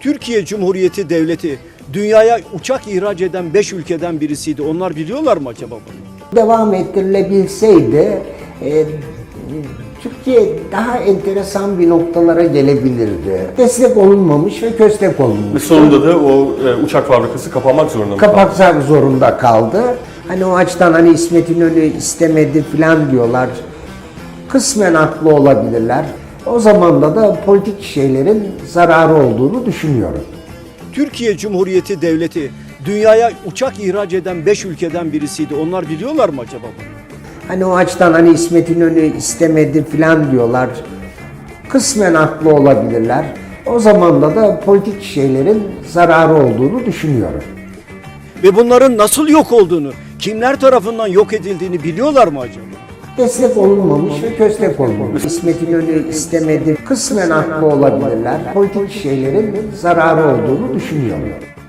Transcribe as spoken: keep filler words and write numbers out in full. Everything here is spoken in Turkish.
Türkiye Cumhuriyeti Devleti dünyaya uçak ihraç eden beş ülkeden birisiydi. Onlar biliyorlar mı acaba bunu? Devam ettirilebilseydi e, Türkiye daha enteresan bir noktalara gelebilirdi. Destek olunmamış ve köstek Ve olunmuş. sonunda da o e, uçak fabrikası kapanmak zorunda mı? Kapatmak zorunda kaldı. Hani o açıdan hani İsmet İnönü istemedi falan diyorlar. Kısmen haklı olabilirler. O zamanda da politik şeylerin zararı olduğunu düşünüyorum. Türkiye Cumhuriyeti Devleti dünyaya uçak ihraç eden beş ülkeden birisiydi. Onlar biliyorlar mı acaba bunu? Hani o açıdan hani İsmet İnönü istemedi falan diyorlar. Kısmen haklı olabilirler. O zamanda da politik şeylerin zararı olduğunu düşünüyorum. Ve bunların nasıl yok olduğunu, kimler tarafından yok edildiğini biliyorlar mı acaba? Destek olunmamış ve köstek olunmuş. İsmet İnönü istemedi. Kısmen haklı olabilirler. Politik şeylerin zararı olduğunu düşünüyorum.